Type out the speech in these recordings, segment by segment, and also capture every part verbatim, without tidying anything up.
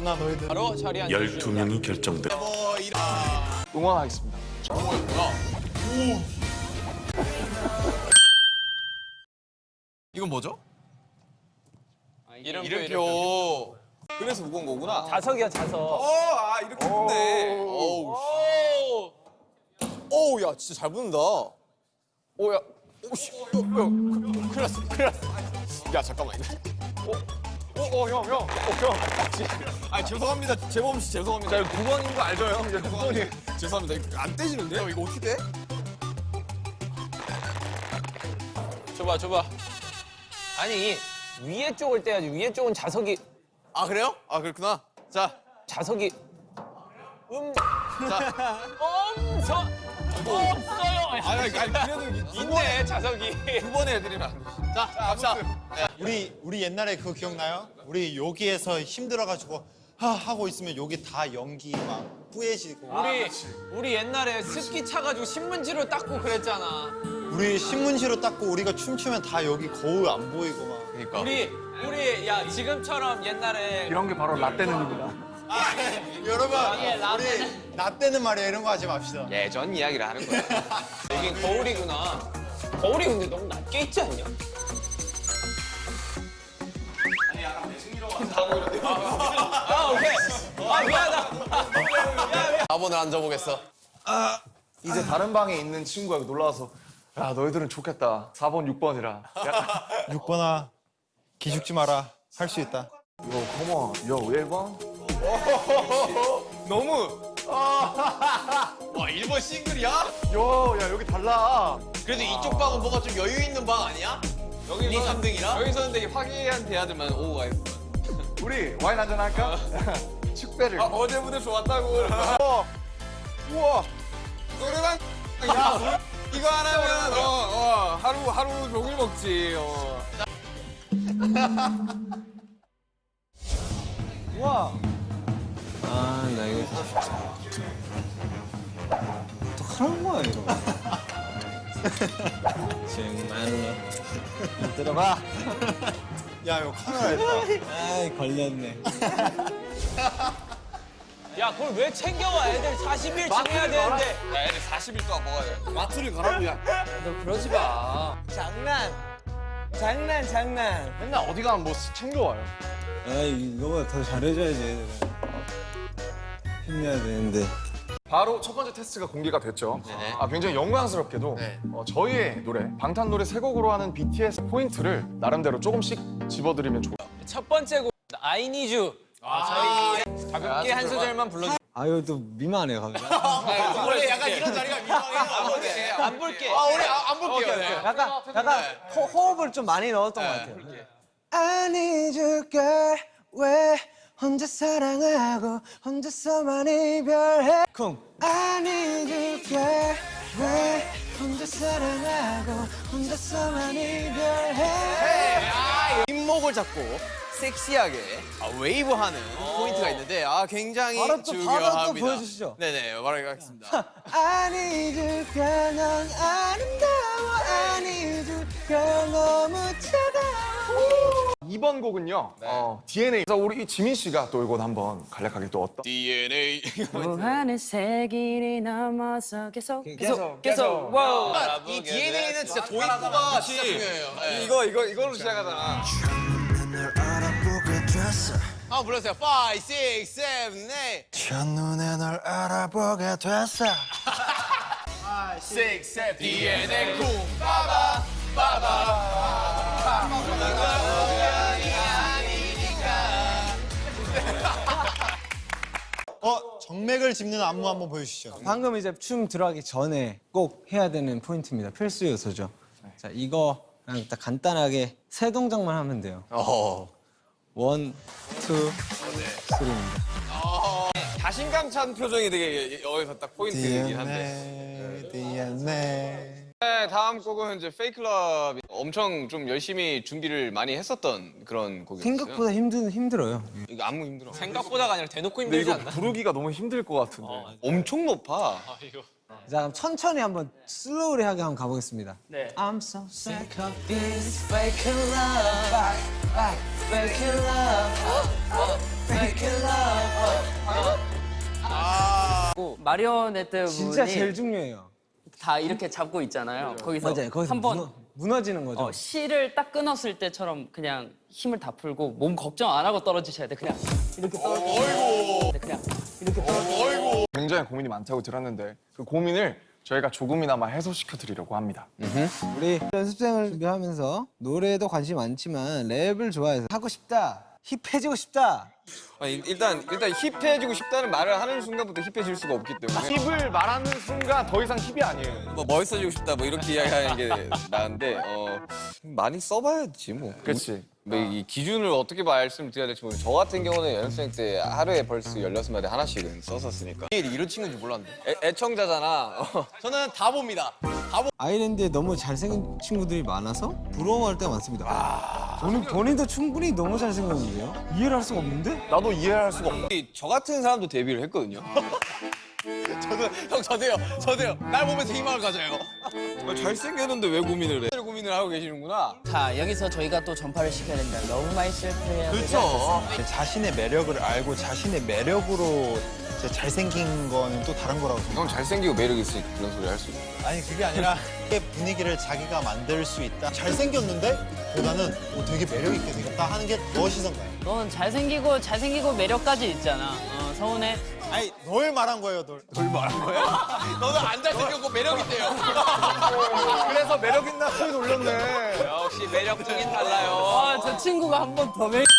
나 너희들. 바로 자리 앉아. 열두 명이 결정돼. 응원하겠습니다. 이건 뭐죠? 이름표. 이름표. 그래서 무거운 거구나. 자석이야 자석. 어, 아 이렇게 붙네. 어우. 어우, 야, 진짜 잘 붙는다. 오, 야, 오씨, 야, 야, 큰일 났어, 큰일 났어. 야, 잠깐만. 어, 어, 어, 형, 형, 어, 형. 아, 죄송합니다, 재범 씨, 죄송합니다. 자, 구 번인 거 알죠, 형? 이제 구 번이. 죄송합니다. 이거 안 떼지는데? 형, 이거 어떻게 돼? 줘봐 줘봐. 아니 위에 쪽을 떼야지. 위에 쪽은 자석이. 아, 그래요? 아, 그렇구나. 자, 자석이. 음. 자. 엄청 없어요. 아니, 아니, 그래도 있네 자석이. 두 번에 해드리면 안 돼. 자, 갑시다. 우리 우리 옛날에 그거 기억나요? 우리 여기에서 힘들어가지고 하 하고 있으면 여기 다 연기 막 뿌얘지고. 우리 우리 옛날에 습기 차가지고 신문지로 닦고 그랬잖아. 우리 신문지로 닦고 우리가 춤추면 다 여기 거울 안 보이고 막. 그러니까. 우리 우리 야 지금처럼 옛날에 이런 게 바로 라떼는입니다. 여러분 예, 라떼는- 우리 나 때는 말이야 이런 거 하지 맙시다. 예전 이야기를 하는 거야. 여긴 거울이구나. 거울이 근데 너무 낮게 있지 않냐? 아 오케이. 아 미안하다. 사 번을 앉아보겠어. 이제 다른 방에 있는 친구가 놀라와서 야 너희들은 좋겠다. 사 번, 육 번이라. 육 번아 기죽지 마라. 할 수 있다. 요 컴온, 요 일 번. 너무. 와, 일 번 싱글이야? 요, 야 여기 달라. 그래도 이쪽 방은 뭐가 좀 여유 있는 방 아니야? 여기 이, 삼 등이라? 여기서는 되게 화기애애한 대화들만 오고 가있어. 우리 와인 한잔 할까? 축배를. 아, 어제 무대 좋았다고. 어. 우와. 노래방. 야, 이거 하나면 어, 어, 하루 하루 종일 먹지. 어. 우와. 아 나 이거 또 하는 거야 이거. 정말로. 들어봐. 야 이거 카메라 했다. 아이 걸렸네. 야 그걸 왜 챙겨와? 애들 사십 일 지내야 되는데. 야, 애들 사십 일 동안 먹어야 돼. 마트를 가라고, 야. 너 그러지 마. 장난. 장난 장난. 맨날 어디 가면 뭐 챙겨와요. 아이 이거보다 더 잘해줘야지 얘들은. 힘내야 되는데. 바로 첫 번째 테스트가 공개가 됐죠. 네네. 아, 굉장히 영광스럽게도 네. 어, 저희의 노래, 방탄 노래 세 곡으로 하는 비티에스 포인트를 나름대로 조금씩 집어드리면 좋을 것 같아요. 첫 번째 곡 I Need You. 아, 가볍게 한 소절만 불러줘. 아유 또 미만해 갑자기. 원래 약간 이런 자리가 민망해. 안 볼게. 안 볼게. 아, 우리 아, 안 볼게요. 네. 약간 약간 호, 호흡을 좀 많이 넣었던 것 같아요. I need you girl 왜 혼자 사랑하고 혼자서만 이별해 쿵 I need you girl 왜 혼자 사랑하고 혼자서만 이별해 잇목을 잡고 섹시하게 아, 웨이브하는 포인트가 있는데 아 굉장히 바로 또- 바로 또 중요합니다. 보여주시죠. 네네, 말하겠습니다. I need you girl 넌 아름다워 I need you girl 너무 차가워 이 번 곡은요, 어, 디엔에이. 그래서 우리 이 지민 씨가 또 이건 한번 간략하게 또 어떤. 디엔에이. 무한의 세기를 넘어서 계속 계속 계속. 와우. 이 디엔에이는 진짜 도입부가 진짜 중요해요. 네. 이거 이거 이걸로 시작하잖아. 한번 불러주세요. 오, 육, 칠, 팔. 첫눈에 널 알아보게 됐어. 육, 칠, 디엔에이 쿵 빠바 빠바. 어 정맥을 짚는 안무 한번 보여주시죠. 방금 이제 춤 들어가기 전에 꼭 해야 되는 포인트입니다. 필수 요소죠. 자, 이거랑 딱 간단하게 세 동작만 하면 돼요. 어. 원, 투, 쓰리입니다. 자신감 찬 표정이 되게 여기서 딱 포인트이긴 한데. 디엔에이 디엔에이. 네, 다음 곡은 이제 페이클럽이 엄청 좀 열심히 준비를 많이 했었던 그런 곡이었어요. 생각보다 힘든 힘들어요. 이거 안무 힘들어. 생각보다가 아니라 대놓고 근데 힘들지 이거 않나? 부르기가 너무 힘들 것 같은데. 엄청 높아. 자, 그럼 천천히 한번 슬로우리하게 한번 가보겠습니다. 네. I'm so sick of this fake love, fake love. 마리오네트 진짜 분이 제일 중요해요. 다 이렇게 잡고 있잖아요. 거기서 맞아요. 거기서 한번 무너, 무너지는 거죠. 어, 실을 딱 끊었을 때처럼 그냥 힘을 다 풀고 몸 걱정 안 하고 떨어지셔야 돼. 그냥 이렇게 떨어지셔야 돼. 그냥 이렇게 떨어지셔야 돼. 굉장히 고민이 많다고 들었는데 그 고민을 저희가 조금이나마 해소시켜 드리려고 합니다. 우리 연습생을 준비하면서 노래에도 관심이 많지만 랩을 좋아해서 하고 싶다, 힙해지고 싶다. 아니, 일단 일단 힙해지고 싶다는 말을 하는 순간부터 힙해질 수가 없기 때문에 힙을 말하는 순간 더 이상 힙이 아니에요. 뭐 멋있어지고 싶다 뭐 이렇게 이야기하는 게 나은데 어 많이 써봐야지 뭐. 그렇지. 뭐 이 기준을 어떻게 말씀드려야 될지 모르겠어요. 저 같은 경우는 연습생 때 하루에 벌써 열여섯 마디 하나씩은 썼었으니까. 이런 친구인지 몰랐는데. 애, 애청자잖아. 어. 저는 다 봅니다. 다 보. 아일랜드에 너무 잘생긴 친구들이 많아서 부러워할 때가 많습니다. 저는 본인도 충분히 너무 잘생겼는데요? 이해를 할 수가 없는데? 나도 이해할 수가 없다. 저 같은 사람도 데뷔를 했거든요. 저도 형 저도요. 저도요. 날 보면서 희망을 가져요. 잘생겼는데 왜 고민을 해? 고민을 하고 계시는구나. 자, 여기서 저희가 또 전파를 시켜야 된다. 너무 많이 실패해야 그렇죠. 자신의 매력을 알고 자신의 매력으로 이제 잘생긴 거는 또 다른 거라고 생각해요. 형 잘생기고 매력 있으니까 그런 소리 할 수 있어. 아니 그게 아니라 그 분위기를 자기가 만들 수 있다. 잘생겼는데 보다는 어, 되게 매력 있게 생겼다 하는 게 더 시선가요. 넌 잘생기고 잘생기고 매력까지 있잖아. 어, 서운해? 아니 널 말한 거예요, 널. 뭘 말한 거야? 너는 안 잘생겼고 매력 있대요. 그래서 매력 있나 소리 놀렸네. 역시 매력적인 달라요. 아, 저 친구가 한 번 더 매력.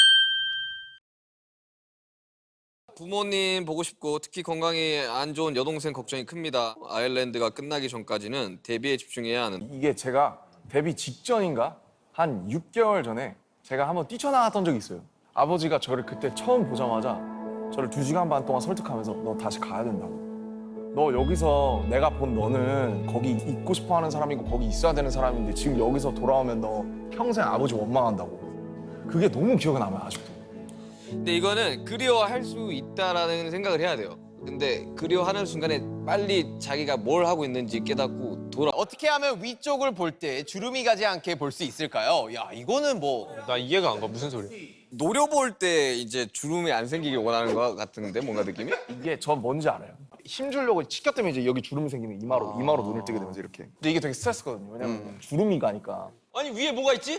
부모님 보고 싶고 특히 건강이 안 좋은 여동생 걱정이 큽니다. 아일랜드가 끝나기 전까지는 데뷔에 집중해야 하는. 이게 제가 데뷔 직전인가 한 육 개월 전에 제가 한번 뛰쳐나갔던 적이 있어요. 아버지가 저를 그때 처음 보자마자 저를 두 시간 반 동안 설득하면서 너 다시 가야 된다고. 너 여기서 내가 본 너는 거기 있고 싶어하는 사람이고 거기 있어야 되는 사람인데 지금 여기서 돌아오면 너 평생 아버지 원망한다고. 그게 너무 기억에 남아요 아직도. 근데 이거는 그리워할 수 있다라는 생각을 해야 돼요. 근데 그리워하는 순간에 빨리 자기가 뭘 하고 있는지 깨닫고 돌아. 어떻게 하면 위쪽을 볼 때 주름이 가지 않게 볼 수 있을까요? 야, 이거는 뭐 나 이해가 안 가. 무슨 소리? 노려볼 때 이제 주름이 안 생기길 원하는 것 같은데 뭔가 느낌이? 이게 전 뭔지 알아요. 힘 주려고 치켜 때문에 이제 여기 주름이 생기면 이마로 이마로 눈을 뜨게 되면서 이렇게. 근데 이게 되게 스트레스거든요. 왜냐면 주름이 가니까. 아니 위에 뭐가 있지?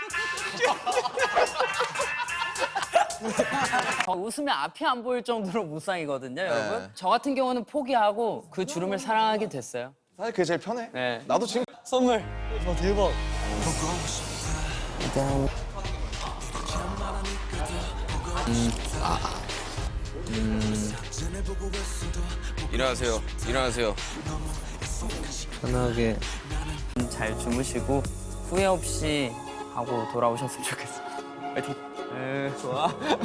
어, 웃으면 앞이 안 보일 정도로 무쌍이거든요, 여러분. 저 같은 경우는 포기하고 그 주름을 사랑하게 됐어요. 사실 그게 제일 편해. 네. 나도 지금 선물. 어, 대박. 일어나세요. 일어나세요. 편하게. 잘 주무시고 후회 없이 하고 돌아오셨으면 좋겠어요. 파이팅. 네, 좋아.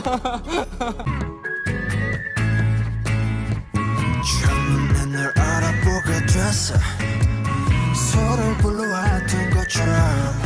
첫눈에 널 알아보게 됐어 서로를 불러왔던 것처럼